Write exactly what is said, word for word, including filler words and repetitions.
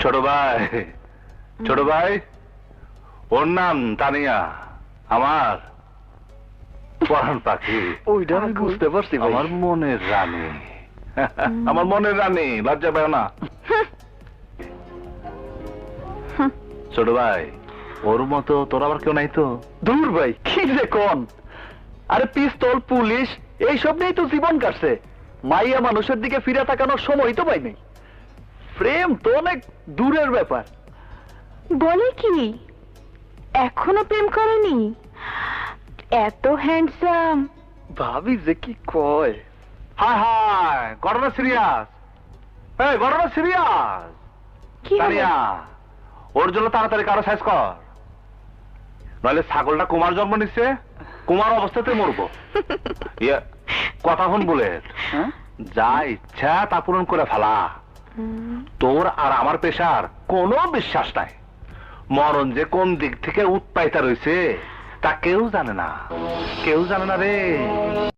ছোট ভাই, ছোট ভাই, ওর নাম তানিয়া, আমার পরাণ পাখি। ওইটা আমি বুঝতে পারছি ভাই। আমার মনের রানী, আমার মনের রানী, লজ্জা পায় না। ছোট ভাই, ওর মতো তোর আবার কেউ নাই তো? দূর ভাই, কি যে কোন, আরে পিস্তল পুলিশ এইসব নিয়েই তো জীবন কাটছে। মাইয়া মানুষের দিকে ফিরে তাকানোর সময় তো পাই নাই। প্রেম তো অনেক দূরের ব্যাপার। বলে কি এখনো প্রেম করেনি? এত হ্যান্ডসাম। ভাবি যে কি কয়। হায় হায়, ঘটনা সিরিয়াস। এই ঘটনা সিরিয়াস। কি হলো? তানিয়া, ওর জন্য তাড়াতাড়ি কারো সাইজ কর, নইলে ছাগলটা কুমার জন্ম নিচ্ছে, কুমার অবস্থাতে মরবো। ইয়ে, কথা হন বুলেট, হ্যাঁ? যা ইচ্ছা তা পূরণ করে ফেলা। হুম, তোর আর আমার পেশার কোনো বিশ্বাস নাই। মরণ যে কোন দিক থেকে উৎপাইতা রয়েছে তা কেউ জানে না, কেউ জানে না রে।